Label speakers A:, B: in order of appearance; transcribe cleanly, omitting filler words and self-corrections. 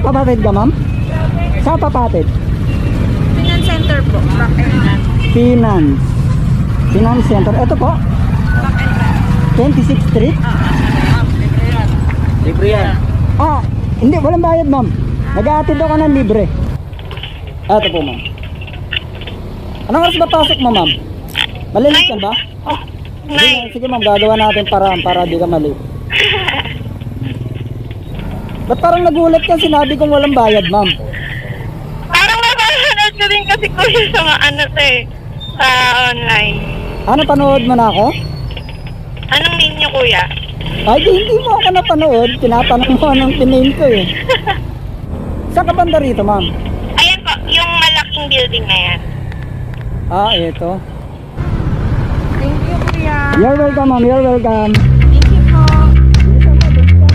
A: Papatid ka, ma'am? Saan papatid?
B: Finance Center po. Back and run.
A: Finance Center. Ito po,
B: Back and run.
A: 26th Street.
C: Libre yan.
A: Ah, hindi, walang bayad, ma'am. Nag-aatid ako ng libre. Ito po, ma'am. Anong oras ba pasok mo, ma'am? Malilit ka ba? Sige, ma'am, gagawa natin para di ka mali. Ba't parang nagulat ka? Sinabi kong walang bayad, ma'am.
B: Parang napapanood ko din kasi kuya sa mga ano to eh. Sa online.
A: Ano, panood mo na ako?
B: Anong name niyo kuya?
A: Ay, hindi mo ako napanood. Tinatanong mo anong tiname ko eh. Saan ka banda rito, ma'am?
B: Ayan po, yung malaking building na yan.
A: Ah, ito.
B: Thank you kuya.
A: You're welcome, ma'am. You're welcome.